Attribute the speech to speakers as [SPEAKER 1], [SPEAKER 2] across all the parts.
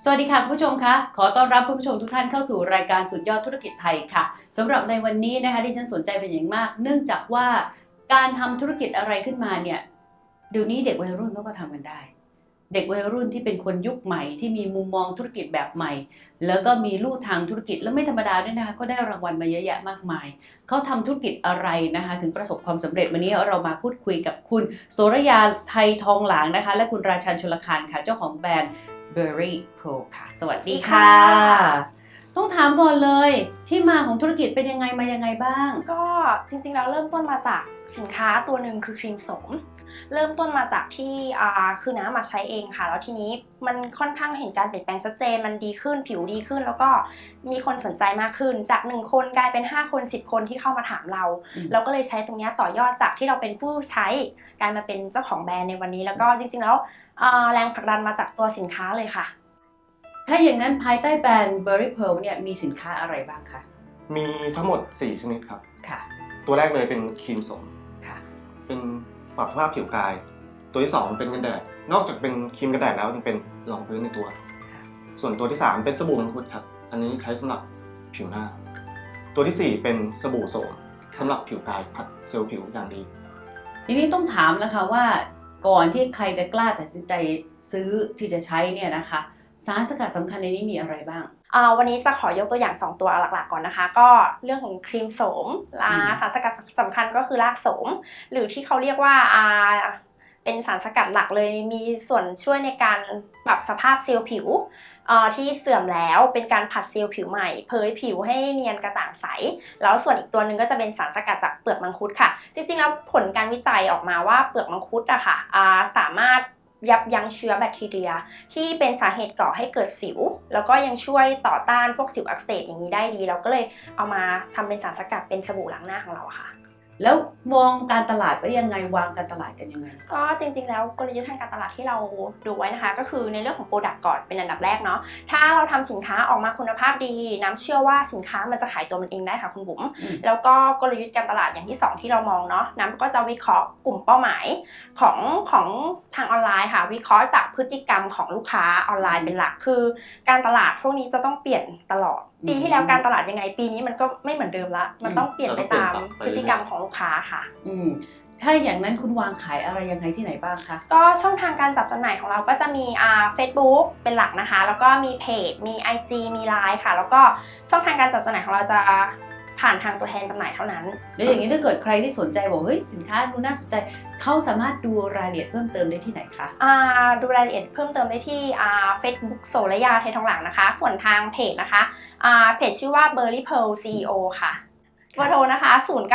[SPEAKER 1] สวัสดีค่ะคุณผู้ชมคะขอต้อนรับคุณผู้ชมทุกท่านเข้าสู่รายการสุดยอดธุรกิจไทยค่ะสำหรับในวันนี้นะคะที่ฉันสนใจเป็นอย่างมากเนื่องจากว่าการทำธุรกิจอะไรขึ้นมาเนี่ยเดี๋ยวนี้เด็กวัยรุ่นเขาก็ทำกันได้เด็กวัยรุ่นที่เป็นคนยุคใหม่ที่มีมุมมองธุรกิจแบบใหม่แล้วก็มีลู่ทางธุรกิจแล้วไม่ธรรมดาด้วยนะคะเขาได้รางวัลมาเยอะแยะมากมายเขาทำธุรกิจอะไรนะคะถึงประสบความสำเร็จวันนี้เรามาพูดคุยกับคุณโสรยาไทยทองหลางนะคะและคุณราชันชลคารค่ะเจ้าของแบรนด์ Berry Pearl ค่ะสวัสดีค่ะต้องถามก่อนเลยที่มาของธุรกิจเป็นยังไงมายังไงบ้าง
[SPEAKER 2] ก็จริงๆแล้วเริ่มต้นมาจากสินค้าตัวหนึ่งคือครีมโสมเริ่มต้นมาจากที่คือน้ำมาใช้เองค่ะแล้วทีนี้มันค่อนข้างเห็นการเปลี่ยนแปลงชัดเจนมันดีขึ้นผิวดีขึ้นแล้วก็มีคนสนใจมากขึ้นจาก1คนกลายเป็น5คน10คนที่เข้ามาถามเราเราก็เลยใช้ตรงนี้ต่อยอดจากที่เราเป็นผู้ใช้กลายมาเป็นเจ้าของแบรนด์ในวันนี้แล้วก็จริงๆแล้วแรงผลักดันมาจากตัวสินค้าเลยค่ะ
[SPEAKER 1] ถ้าอย่างนั้นภายใต้แบรนด์ Berry Pearl เนี่ยมีสินค้าอะไรบ้างคะ
[SPEAKER 3] มีทั้งหมด4ชนิดครับ
[SPEAKER 1] ค่ะ
[SPEAKER 3] ตัวแรกเลยเป็นครีมโสม
[SPEAKER 1] ค่ะ
[SPEAKER 3] เป็นปรับสภาพผิวกายตัวที่2เป็นกันแดดนอกจากเป็นครีมกันแดดแล้วยังเป็นรองพื้นในตัวส่วนตัวที่3เป็นสบู่มังคุดครับอันนี้ใช้สำหรับผิวหน้าตัวที่4เป็นสบู่โสมสำหรับผิวกายผัดเซลล์ผิวอย่างดี
[SPEAKER 1] ทีนี้ต้องถามนะคะว่าก่อนที่ใครจะกล้าตัดสินใจซื้อที่จะใช้เนี่ยนะคะสารสกัดสำคัญในนี้มีอะไรบ้าง
[SPEAKER 2] วันนี้จะขอยกตัวอย่าง2ตัวหลักๆก่อนนะคะก็เรื่องของครีมโสมสารสกัดสำคัญก็คือรากโสมหรือที่เขาเรียกว่าเป็นสารสกัดหลักเลยมีส่วนช่วยในการปรับสภาพเซลล์ผิวที่เสื่อมแล้วเป็นการผัดเซลล์ผิวใหม่เผยผิวให้เนียนกระจ่างใสแล้วส่วนอีกตัวหนึ่งก็จะเป็นสารสกัดจากเปลือกมังคุดค่ะจริงๆแล้วผลการวิจัยออกมาว่าเปลือกมังคุดอะค่ะสามารถยับยั้งเชื้อแบคทีเรียที่เป็นสาเหตุก่อให้เกิดสิวแล้วก็ยังช่วยต่อต้านพวกสิวอักเสบอย่างนี้ได้ดีเราก็เลยเอามาทำเป็นสารสกัดเป็นสบู่ล้างหน้าของเราค่ะ
[SPEAKER 1] แล้วมองการตลาดไว้ยังไงวางการตลาดกันยังไง
[SPEAKER 2] ก็จริงๆแล้วกลยุทธ์ทางการตลาดที่เราดูไว้นะคะก็คือในเรื่องของโปรดักต์ก่อนเป็นอันดับแรกเนาะถ้าเราทำสินค้าออกมาคุณภาพดีน้ำเชื่อว่าสินค้ามันจะขายตัวมันเองได้ค่ะคุณบุ๋มแล้วก็กลยุทธ์การตลาดอย่างที่2ที่เรามองเนาะน้ำก็จะวิเคราะห์กลุ่มเป้าหมายของทางออนไลน์ค่ะวิเคราะห์จากพฤติกรรมของลูกค้าออนไลน์เป็นหลักคือการตลาดพวกนี้จะต้องเปลี่ยนตลอดปีที่แล้วการตลาดยังไงปีนี้มันก็ไม่เหมือนเดิมละมันต้องเปลี่ยนไปตามพฤติกรรมของลูกค้าค่ะ
[SPEAKER 1] ถ้าอย่างนั้นคุณวางขายอะไรยังไงที่ไหนบ้างคะ
[SPEAKER 2] ก็ช่องทางการจับจำหน่ายของเราก็จะมีFacebook เป็นหลักนะคะแล้วก็มีเพจมี IG มี Line ค่ะแล้วก็ช่องทางการจับจำหน่ายของเราจะผ่านทางตัวแทนจำหน่ายเท่านั้น
[SPEAKER 1] แล้วอย่างนี้ถ้าเกิดใครที่สนใจบอกเฮ้ยสินค้าดูน่าสนใจเขาสามารถดูรายละเอียดเพิ่มเติมได้ที่ไหนคะ
[SPEAKER 2] ดูรายละเอียดเพิ่มเติมได้ที่Facebook โสรยาไทยทองหลางนะคะส่วนทางเพจนะคะเพจชื่อว่า Berry Pearl CEO ค่ะเบอร์โทรนะคะ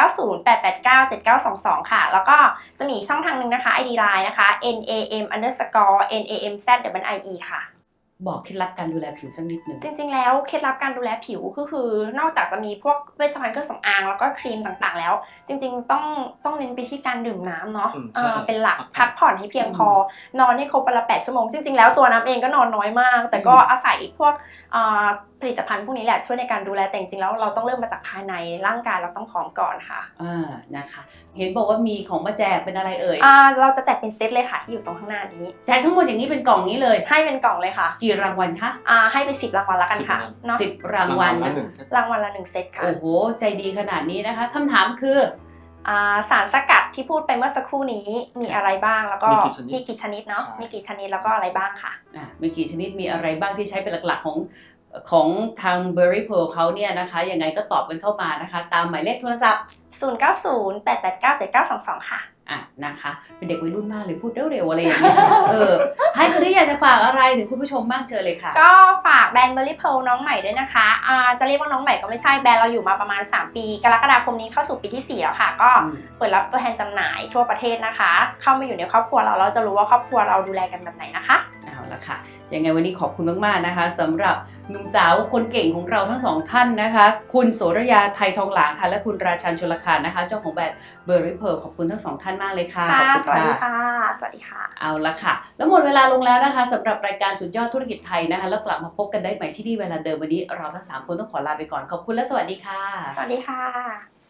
[SPEAKER 2] 0908897922ค่ะแล้วก็จะมีช่องทางนึงนะคะ ID Line นะคะ NAM_NAMZIE ค่ะ
[SPEAKER 1] บอกเคล็ดลับการดูแลผิวสักนิดหนึ่ง
[SPEAKER 2] จริงๆแล้วเคล็ดลับการดูแลผิวก็คือนอกจากจะมีพวกเวชภัณฑ์เครื่องสำอางแล้วก็ครีมต่างๆแล้วจริงๆต้องเน้นไปที่การดื่มน้ำเนาะเป็นหลักพักผ่อนให้เพียงพอนอนให้ครบวันละ8 ชั่วโมงจริงๆแล้วตัวน้ำเองก็นอนน้อยมากแต่ก็อาศัยพวกผลิตภัณฑ์พวกนี้แหละช่วยในการดูแลแต่จริงๆแล้วเราต้องเริ่มมาจากภายในร่างกายเราต้องพร้อมก่อนค่ะ
[SPEAKER 1] นะคะเห็นบอกว่ามีของมาแจกเป็นอะไรเอ่ย
[SPEAKER 2] เราจะแจกเป็นเซตเลยค่ะที่อยู่ตรงข้างหน้านี้
[SPEAKER 1] แจกทั้งหมดอย่างนี้เป็นกล่องนี้เลย
[SPEAKER 2] ให้เป็นกล่องเลยค่ะ
[SPEAKER 1] กี่รางวัลคะ
[SPEAKER 2] ให้ไป10 รางวัลแล้วกันค่ะ
[SPEAKER 1] 10 รางวัล
[SPEAKER 2] รางวัลละ1 เซตค่ะ
[SPEAKER 1] โอ้โหใจดีขนาดนี้นะคะคำถามคือ
[SPEAKER 2] สารสกัดที่พูดไปเมื่อสักครู่นี้มีอะไรบ้างแล้วก็มีกี่ชนิดเนาะมีกี่ชนิดแล้วก็อะไรบ้างค่ะ
[SPEAKER 1] มีกี่ชนิดมีอะไรบ้างที่ใช้เป็นหลักๆของทาง Berry Pearl เขาเนี่ยนะคะยังไงก็ตอบกันเข้ามานะคะตามหมายเลขโทรศัพท์
[SPEAKER 2] 0908897922ค่ะ
[SPEAKER 1] นะคะเป็นเด็กวัยรุ่นมากเลยพูดเร็วๆอะไรอย่างเงี้ยให้คนที่อยากจะฝากอะไรถึงคุณผู้ชมบ้างเชิญเลยค่ะ
[SPEAKER 2] ก็ฝากแบรนด์ Berry Pearl น้องใหม่ด้วยนะคะจะเรียกว่าน้องใหม่ก็ไม่ใช่แบรนด์เราอยู่มาประมาณ3 ปีกรกฎาคมนี้เข้าสู่ปีที่4แล้วค่ะก็เปิดรับตัวแทนจำหน่ายทั่วประเทศนะคะเข้ามาอยู่ในครอบครัวเราจะรู้ว่าครอบครัวเราดูแลกันแบบไหนนะคะ
[SPEAKER 1] เอาละค่ะยังไงวันนี้ขอบคุณมากๆนะคะสำหรับหนุ่มสาวคนเก่งของเราทั้ง2 ท่านนะคะคุณโสรยาไทยทองหลางค่ะและคุณราชันชลคารนะคะเจ้าของแบรนด์ Berry Pearl ขอบคุณทั้ง2 ท่านมากเลยค่ะ
[SPEAKER 2] สวัสดีค่ะสวัสดีค่ะ
[SPEAKER 1] เอาละค่ะแล้วหมดเวลาลงแล้วนะคะสำหรับรายการสุดยอดธุรกิจไทยนะคะแล้วกลับมาพบกันได้ใหม่ที่นี่เวลาเดิมวันนี้เราทั้ง3 คนต้องขอลาไปก่อนขอบคุณและสวัสดีค่ะ
[SPEAKER 2] สวัสดีค่ะ